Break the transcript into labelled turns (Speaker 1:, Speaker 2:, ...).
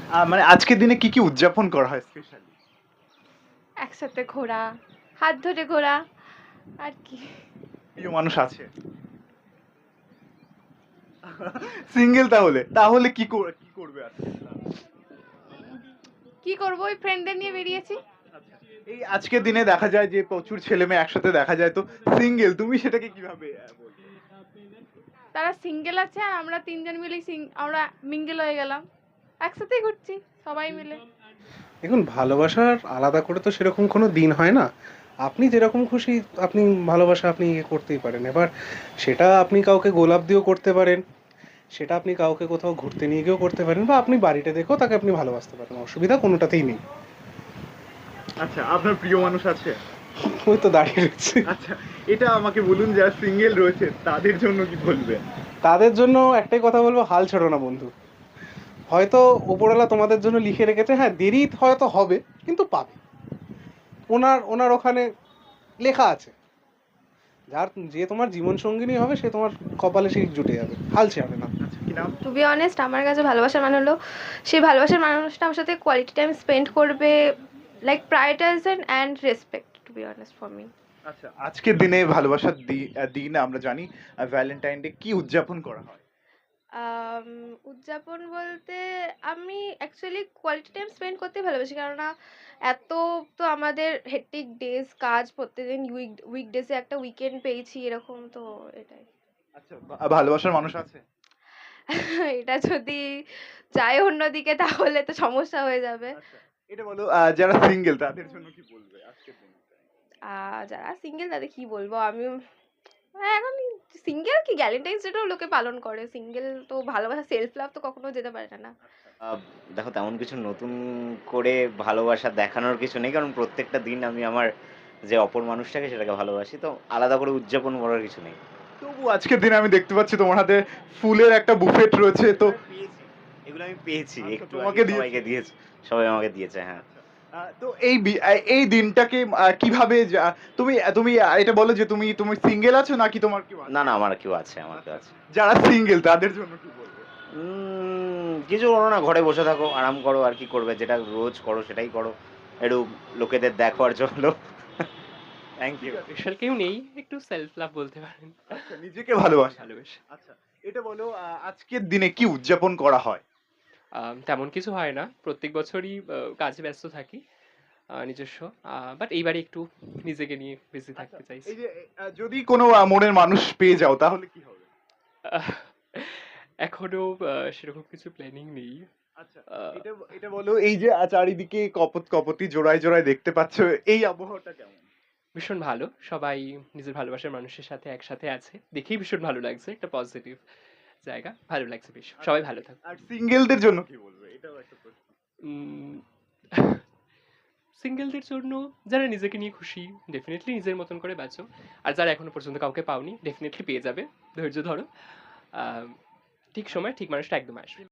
Speaker 1: মানে আজকের দিনে কি কি উদযাপন করা হয় স্পেশালি?
Speaker 2: একসাথে ঘোরা, হাত ধরে ঘোরা, আর কি।
Speaker 1: প্রিয় মানুষ আছে? সিঙ্গেল তাহলে? তাহলে কি করবে আজকে?
Speaker 2: কি করবো, ওই ফ্রেন্ডদের নিয়ে বেরিয়েছি।
Speaker 1: আচ্ছা। এই আজকের দিনে দেখা যায় যে প্রচুর ছেলেমেয়ে একসাথে দেখা যায়, তো সিঙ্গেল তুমি সেটাকে কিভাবে বলবে?
Speaker 2: তারা সিঙ্গেল আছে আর আমরা তিনজন মিলেই আমরা মিঙ্গেল হয়ে গেলাম, একসাথেই ঘুরছি সবাই মিলে।
Speaker 3: দেখুন, ভালোবাসার আলাদা করে তো সেরকম কোনো দিন হয় না। আপনি যেরকম খুশি আপনি ভালোবাসা আপনি ইয়ে করতেই পারেন। এবার সেটা আপনি কাউকে গোলাপ দিয়েও করতে পারেন, সেটা আপনি কাউকে কোথাও ঘুরতে নিয়ে গিয়েও করতে পারেন, বা আপনি বাড়িতে দেখেও তাকে আপনি ভালোবাসতে পারেন। অসুবিধা কোনোটাতেই নেই।
Speaker 1: আচ্ছা, আপনার প্রিয় মানুষ আছে?
Speaker 3: ওই তো দাঁড়িয়ে রয়েছে।
Speaker 1: আচ্ছা, এটা আমাকে বলুন, যারা সিঙ্গেল রয়েছে তাদের জন্য কি বলবেন?
Speaker 3: তাদের জন্য একটাই কথা বলবো, হাল ছেড়ো না বন্ধু। হয়তো ওপরওয়ালা তোমাদের জন্য লিখে রেখেছে, হ্যাঁ দেরি হয়তো হবে, কিন্তু পাবে। ওনার ওনার ওখানে লেখা আছে, যে তোমার জীবন সঙ্গিনী হবে সে তোমার কপালে সেই জুটে যাবে। হাল ছেড়ে না।
Speaker 1: আচ্ছা, কি নাম?
Speaker 2: টু বি অনেস্ট, আমার কাছে ভালোবাসার মানে হলো সেই ভালোবাসার মানুষটা আমার সাথে কোয়ালিটি টাইম স্পেন্ড করবে, like prioritisation and respect, to be honest for me.
Speaker 1: আচ্ছা, আজকের দিনে ভালোবাসার দিন আমরা জানি ভ্যালেন্টাইন ডে কি উদযাপন করা হয়?
Speaker 2: উদযাপন বলতে আমি অ্যাকচুয়ালি কোয়ালিটি টাইম স্পেন্ড করতে ভালোবাসি, কেননা এত তো আমাদের হেক্টিক ডেজ, কাজ প্রত্যেকদিন, উইকডেজে একটা উইকেন্ড পেয়েছি এরকম, তো এটাই।
Speaker 1: আচ্ছা, ভালোবাসার মানুষ আছে?
Speaker 2: এটা যদি যায় অন্যদিকে তাহলে তো সমস্যা হয়ে যাবে।
Speaker 1: আচ্ছা, এটা বলো, যারা সিঙ্গেল তাদের জন্য কি বলবে আজকের দিনে?
Speaker 2: যারা সিঙ্গেল তাদের কি বলবো আমি, এখন সিঙ্গেল কি ভ্যালেন্টাইন্স ডেটাও লোকে পালন করে, সিঙ্গেল তো ভালোবাসা, সেলফ লাভ তো কখনো যেতে পারে না, না।
Speaker 4: আ দেখো, তেমন কিছু নতুন করে ভালোবাসা দেখানোর কিছু নেই। কারণ প্রত্যেকটা দিন আমি আমার যে অপর মানুষটাকে সেটাকে ভালোবাসি। তো আলাদা করে উদযাপন করার কিছু নেই।
Speaker 1: তবু আজকের দিনে আমি দেখতে পাচ্ছি তোমার হাতে ফুলের একটা বুফেট রয়েছে, তো
Speaker 4: এগুলো আমি পেয়েছি। এগুলো আমি পেয়েছি।
Speaker 1: আচ্ছা,
Speaker 4: একটু আগে
Speaker 1: তোমাকে দিয়েছে?
Speaker 4: সবাইকে দিয়েছে। সবাই আমাকে দিয়েছে, হ্যাঁ।
Speaker 1: আচ্ছা। তো এই দিনটাকে কিভাবে তুমি তুমি এটা বলো যে তুমি তুমি সিঙ্গেল আছো নাকি তোমার কেউ
Speaker 4: না,
Speaker 1: আছে?
Speaker 4: না, আমার কেউ আছে, আমার কেউ
Speaker 1: আচ্ছা,
Speaker 4: আছে।
Speaker 1: যারা সিঙ্গেল তাদের জন্য কি বলবে?
Speaker 4: কিছু করো না, ঘরে বসে থাকো, আরাম করো, আর কি করবে? যেটা রোজ করো সেটাই করো। একটু লোকেদের দেখো আর চলো। থ্যাংক
Speaker 1: ঠিক
Speaker 4: ইউ।
Speaker 1: আছে।
Speaker 5: স্পেশাল কেউ নেই, একটু সেলফ লাভ বলতে পারেন।
Speaker 1: আচ্ছা, নিজেকে ভালোবাসা।
Speaker 5: ভালোবেসে
Speaker 1: আচ্ছা, এটা বলো, আজকের দিনে কি উদযাপন করা হয়?
Speaker 5: তেমন কিছু হয় না, প্রত্যেক বছরই কাজে ব্যস্ত থাকি নিজস্ব, বাট এইবারে একটু নিজেকে নিয়ে বিজি
Speaker 1: আচ্ছা,
Speaker 5: থাকতে চাইছি।
Speaker 1: এই যে যদি কোনো মনের মানুষ পেয়ে যাও তাহলে কি হবে?
Speaker 5: আহ, এখনো সেরকম কিছু প্ল্যানিং নেই।
Speaker 1: আচ্ছা,
Speaker 5: আহ,
Speaker 1: এটা এটা বলো, এই যে চারিদিকে কপত কপতি জোড়ায় জোড়ায় দেখতে পাচ্ছ, এই আবহাওয়াটা কেমন?
Speaker 5: ভীষণ ভালো, সবাই নিজের ভালোবাসার মানুষের সাথে একসাথে আছে, দেখেই ভীষণ ভালো লাগছে, একটা পজিটিভ জায়গা, ভালো লাগছে বেশ,
Speaker 1: আচ্ছা,
Speaker 5: সবাই ভালো থাকুক।
Speaker 1: আর সিঙ্গেলদের জন্য কি বলবে, এটাও একটা প্রশ্ন।
Speaker 5: সিঙ্গেলদের জন্য, যারা নিজেকে নিয়ে খুশি, ডেফিনেটলি নিজের মতন করে বাঁচো। আর যারা এখনো পর্যন্ত কাউকে পাওনি, ডেফিনেটলি পেয়ে যাবে, ধৈর্য ধরো। আহ, ঠিক সময় ঠিক মানুষটা একদম আসবে।